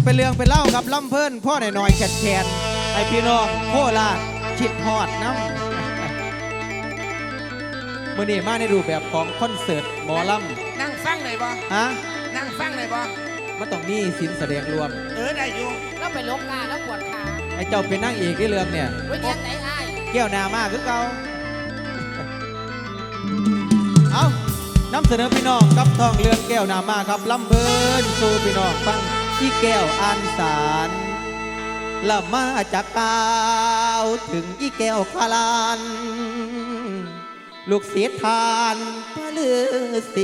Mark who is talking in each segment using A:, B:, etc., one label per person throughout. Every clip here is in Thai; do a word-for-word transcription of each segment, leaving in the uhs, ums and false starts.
A: เป็นเรื่องเป็นเล่ากับล่ำเพิ่นพ่อหน่อยๆแขนแขนไอพี่น้องโคราชชิดฮอดน้ำมื่อนี้มาในรูปแบบของคอนเสิร์ตหมอล
B: ำนั่งฟังหน่อยบ่
A: ฮะ
B: นั่งฟังหน่อยบ่
A: มันต้องมีสินแสดงรวม
B: เออได้อยู่
C: แล้วไปลบกาแล้วปวดขา
A: ไอเจ้าเป็นนั่งเอกที่เรื่องเนี่ย
C: วันนี้ไหนไอ้
A: แก้วนามาคือเก่าเอานำเสนอพี่น้องกับท่องเรื่องแก้วนามาครับลำเบินสู่พี่น้องฟังที่แก้วอันสารละมาจากกาวถึงอีแก้วคาลานลูกเสียทานพระฤาษี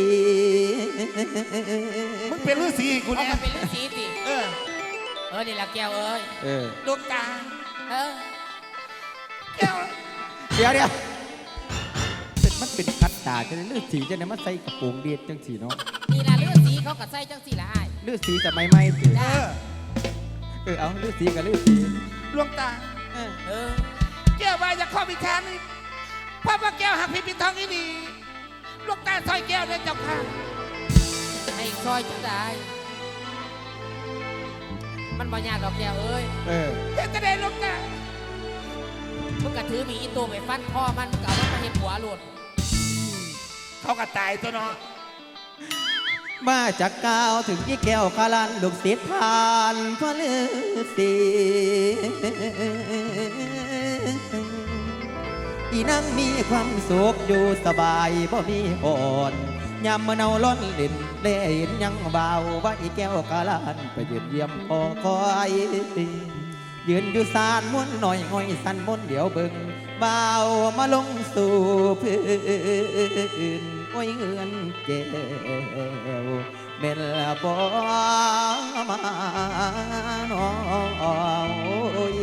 B: มึงเป็นฤาษีกูเนี่ย
C: เป็นฤาษีสิ
B: เออ
C: เออนี่ละแก้วเอ้ย
A: เออ
B: ลูกตา
C: เออ
B: แก้ว
A: เดี๋ยวเดี๋ยวมันเป็นคัดตาจะได้ฤาษีจะได้มาใส่กระโปรงเดียดจังสีเนาะ
C: นี่ละฤาษีเขาก็ใส่จังสีละไอ้
A: ฤาษีจะไม่ไม่ถือ
B: เออ
A: เออเอาฤาษีกับฤาษี
B: ลวงตา
C: เออเออ
B: แก้วใบจะข้อพิชานี่พ่อพระแก้วหักพิพิธทองนี่ดีลูกตาซอยแก้วเนี่ยเจ้าค่ะ
C: ให้ซอยจังได้มันบ่ยากดอกแก้วเอ้ย
A: เออ
B: เฮ็ดจะได้ลูกตา
C: มึงกระถือมีอีตัวไปฟันพ่อมันมึงกะว่ามาเห็นหัวหลุด
B: เขาก็ตายตัวเนาะ
A: มาจากกาวถึงยี่แก้วคาลันลูกศิษย์ทานพระฤาษีอีนั่งมีความสุขอยู่สบายบ่มีอ่อนยามเมื่อเนาล้นเล่นเล่นยังเบาว่าอีแก้วคาลันไปยืนเยี่ยมพอคอยยืนอยู่สานม้วนหน่อยง่อยสันม้วนเดี๋ยวเบิ่งเบามาลงสู่พื้นโอ้ยเงินแก้วเม็นละบ่มาน้องโอ้ย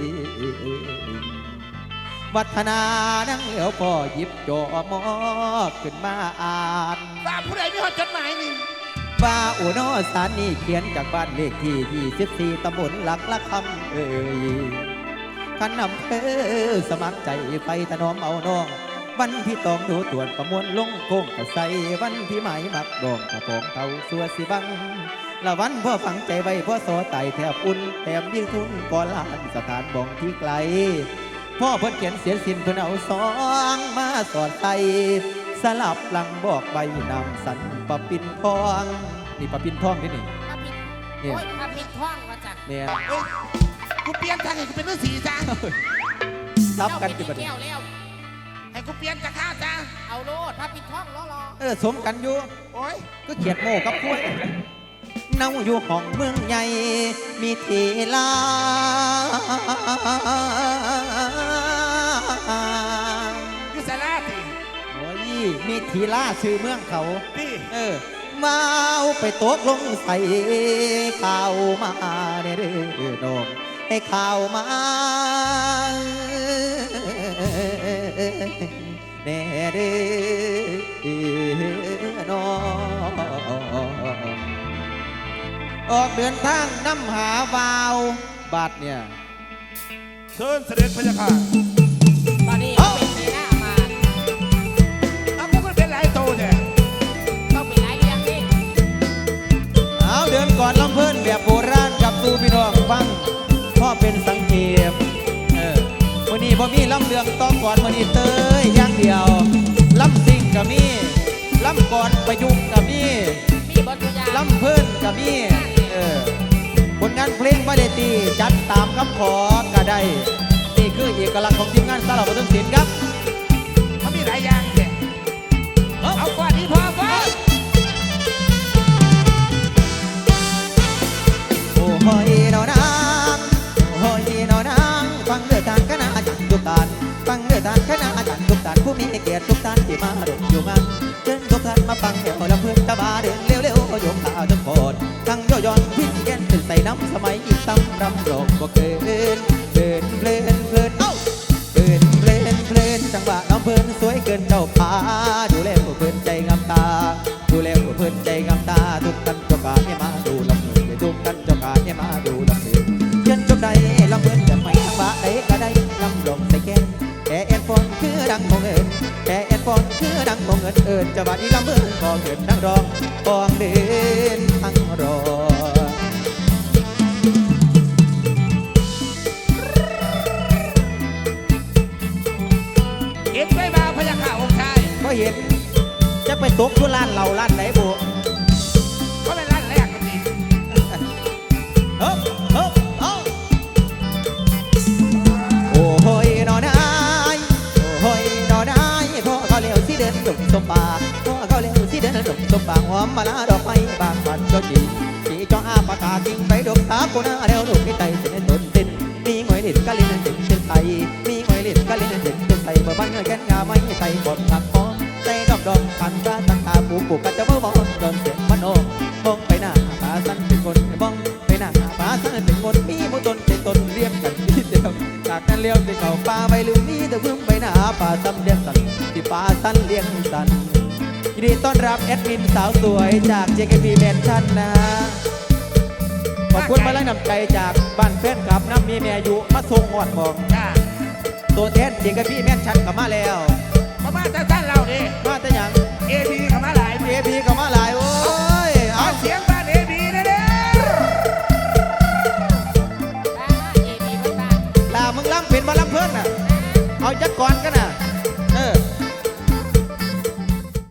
A: วัฒนานั่งเหลียวพอหยิบจอมอกขึ้นมาอ่าน
B: ว่าผู้ใดมีหอดจดหมายนี่
A: ว่าอุโนสารนี่เขียนจากบ้านเลขที่ยี่สิบสี่ตำบลหลักละคำเอ่ยขันนำเพอสมัครใจไปถนอมเอาน้องวันที่ต้องดูตรวจประมวลลงโค้งกระใสวันที่หมายมักดองกระปองเขาสัวสิบังละวันพ่อฝังใจไว้พ่อโซไตแทบอุ่นแถมยิ่งทุนก่อนลานสถานบ่องที่ไกลพ่อเพิ่นเขียนเสียสินเพิ่นเอาสองมาสอดใส่สลับหลังบอกใบนำสันปะปินทองนี่ปะปินทองนี่นี่
C: ปะปินโอ้ยปะปินทองมาจาก
A: เนี่ย
B: กูเปลี่ยนทางให้กูเป็นฤาษีจ้า
A: ซับกันจุดประเด็น
B: ให้กูเปลี่ยนจากข้าจ้า
C: เอาโลดปะปินทองรอรอ
A: เออสมกันอยู่
B: โอ้ย
A: ก็เขียดโม่กับกล้วยเน่าอยู่ห้องเมืองใหญ่มีทีลา
B: คือสาราติ
A: โอ้ยมีทีลาชื่อเมืองเขา
B: พี่
A: เออมาเอาไปตกลงใส่ข่าวมาเด้อน้องให้ข่าวมาเด้อน้องออกเดินทางน้ำหาวาวบาทเนี่ย
B: เชิญเสด็จพระเจ้าค่ะ
C: ตอนนี้เป็นปีหน้ามา
B: เอาพวกมันเป็นหลายโตเนี่ย
C: ต้องเป็นหลายเรื่องนี่
A: เอาเดินก่อนลำเพิ่นแบบโบราณกับตูพี่น้องฟังพ่อเป็นสังเกตเออวันนี้พ่อมีลำเรืองต้องก่อนวันนี้เตยอย่างเดียวลำซิงกับมีลำก่อนประยุกต์กับมีลำเพิ่นกับมีเออผลงานเพลงไม่ได้ตีจัดตามคำขอก็ได้นี่คือเอกลักษณ์ของทีมงานสารพัดศิลป์ครับ
B: มันมีหลายอย่างเนี่ยเอากว่านี้พอพอ
A: โอ้โหนอนางโอ้โหนอนางฟังเรื่องการคณะอาจารย์ทุกท่านฟังเรื่องการคณะอาจารย์ทุกท่านผู้มีเกียรติทุกท่านที่มาร่วมอยู่งานเชิญทุกท่านมาฟังเดี๋ยวลำเพื่อนตะบาเดินเร็วๆโยมข่าวทั้งโคตรทั้งย่อยอนพิ้นเย็นเป็นใส่น้ำสมัยอีกซ้ำรำร้องบ่เกินเดินเพลินเพลินเอ้าเดินเพลินเพลินจังหวะน้องเพลินสวยเกินเจ้าพาดูแลผู้เพลินใจงามตาดูแลผู้เพลินใจงามตาทุกท่านเจ้าการให้มาดูลำเพลินทุกท่านเจ้าการให้มาดูลำเพลินเชิญจบใดลำเพลินจะไม่ทั้งบะใดก็ได้ลำร้องใส่แก่แต่แอนฟอนคือดังมองเอิญแต่แอนฟอนคือดังมองเอิญเอิญจะบาดนี้ลำเบินพอเกิดดังรองปองเดินทั้งรอทิ้งไปดกตาโกนาเร็วดกให้ไตเส้นต้นเต้นมีหอยเล็ดกะลินเต็มเส้นไตมีหอยเล็ดกะลินเต็มเส้นไตเมื่อบ้านเงินแกนงาไม่ให้ไตบดหลักพอใจดอกดอกพันตาตั้งตาปูปูกัดจะเมื่อมองจนเสียงมันโอมองไปหน้าผาสั้นเป็นคนมองไปหน้าผาสั้นเป็นคนมีมุตนเป็นตนเรียบกันที่เดียวจากนั้นเลี้ยวที่เขาป่าไปลืมมีแต่พึ่งไปหน้าป่าซ้ำเลี้ยงสันที่ป่าสั้นเลี้ยงสันยินดีต้อนรับแอดมินสาวสวยจาก เจ เค พี Mansion นะฮะขอบคุณมาลังนำใจจากบ้านแฟนคลับน้ำมีแม่อายุมาส่งหอดมอง
B: จ้า
A: ตัวแทน เจ เค พี Mansion กลับมาแล้ว
B: มาบ้านท่านเราดิ
A: มาแต่หยัง
B: เอพีเข้ามาหลาย
A: เอพีกลับมาหลายโอ้ย
B: เอา
A: เอา
B: เสียงบ้านเอพีนะเด้อ
C: บ้าเอพีบ้านบ้าน
A: ลามึงล้ำเป็นมาล้ำเพื่อนน่ะเอาจักก่อนกันน่ะ